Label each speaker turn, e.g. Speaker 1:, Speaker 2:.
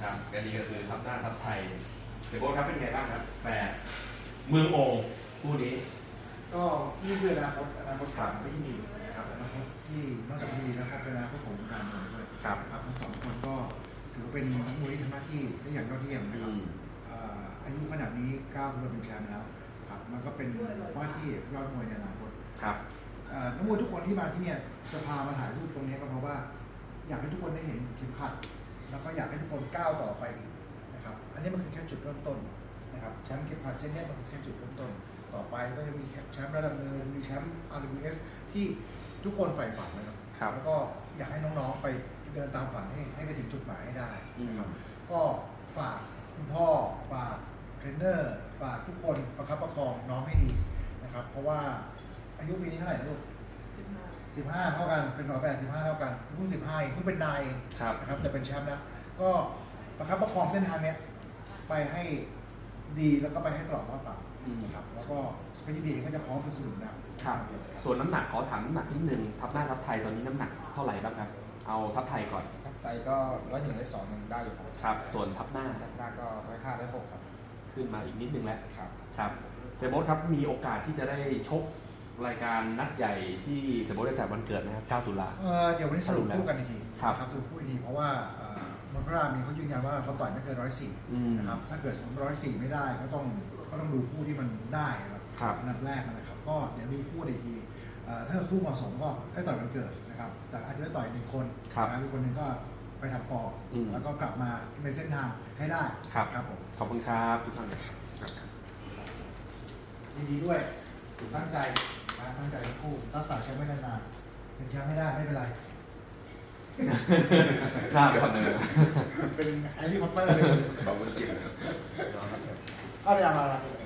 Speaker 1: ครับก็นี่ก็คือทัพหน้าทัพไทยเดี๋ยวโบ๊ทครับเป็นไงบ้างครับแฟร์เมืองโอ่งคู่นี้
Speaker 2: ก็นี่คืออนาคตขามที่ดีนะครับอนาคตที่นอกจากดีแล้วครับเป็นอนาคตของการเมืองด้วยครับทั้งสองคนก็ถือว่าเป็นนักมวยที่ทำหน้าที่ได้อย่างยอดเยี่ยมนะครับอายุขนาดนี้ก้าวมาเป็นแชมป์แล้วครับมันก็เป็นว่าที่ยอดมวยในอนาคต
Speaker 1: ครับ
Speaker 2: นักมวยทุกคนที่มาที่เนี่ยจะพามาถ่ายรูปตรงนี้ก็เพราะว่าอยากให้ทุกคนได้เห็นเข็มขัดแล้วก็อยากให้ทุกคนก้าวต่อไปอีกนะครับอันนี้มันคือแค่จุดเริ่มต้นนะครับแชมป์เข็มขัดเส้นนี้มันคือแค่จุดเริ่มต้นต่อไปก็จะมีแชมป์ระดับเนินมีแชมป์ RWS ที่ทุกคนใฝ่ฝันนะครับแล้วก็อยากให้น้องๆไปเดินตามฝันให้ไปถึงจุดหมายให้ได้นะครับก็ฝากคุณพ่อฝากเทรนเนอร์ฝากทุกคนประคับประคองน้องให้ดีนะครับเพราะว่าอายุปีนี้เท่าไหร่ลูก15เท่ากันเป็น185เท่ากันเพิ่ง15เองเพิ่งเป็นนายนะครับแต่เป็นแชมป์แล้วก็ประคับประคองเส้นทางเนี้ยไปให้ดีแล้วก็ไปให้ตลอดรอดฝั่งนะครับแล้วก็พี่ดีก็จะพร้อมสนับสนุนนะครับ
Speaker 1: ส่วนน้ำหนักขอถามน้ำหนักนิดนึงทัพหน้าทัพไทยตอนนี้น้ำหนักเท่าไหร่บ้างครับเอาทัพไทยก่อน
Speaker 3: ทัพไทยก็101 102ยังได้อยู่
Speaker 1: ครับส่วนทัพหน้า
Speaker 3: ก็105 106ครับ
Speaker 1: ขึ้นมาอีกนิดนึงแล้ว
Speaker 3: ครับ
Speaker 1: ครับเซโบสครับมีโอกาสที่จะได้ชกรายการนัดใหญ่ที่เซโบสจะจัดวันเกิดนะครับ9 ตุลา
Speaker 2: เดี๋ยววันนี้สรุปคู่กันอีกที
Speaker 1: ครับ
Speaker 2: สรุปคู่อีกทีเพราะว่ามอนพรามีเขายืนยันว่าเขาต่อยไม่เกิน104นะครับถ้าเกิด104ไม่ได้ก็ต้องดูคู่ที่มันได้ครับอันดับแรกนะครับก็เดี๋ยวดูคู่อีกทีถ้าคู่เหมาะสมก็ได้ต่อยวันเกิดนะครับแต่อาจจะได้ต่อย1 คนนะมีคนหนึ่งก็ไปทำฟอร์มแล้วก็กลับมาในเส้นทางให้ได้
Speaker 1: ครับผมขอบคุณครับทุกท่าน
Speaker 2: ยินดีด้วยตั้งใจทั้งคู่รักษาแชมป์ไว้นานๆเป็นแชมป์ไม่ได้ไม่เป็นไร
Speaker 1: กล้าไปคนหนึ่ง
Speaker 2: เป็นแฮร์รี่พอตเตอร์เลย
Speaker 1: บอกว่าจริง
Speaker 2: เอาไปเอามา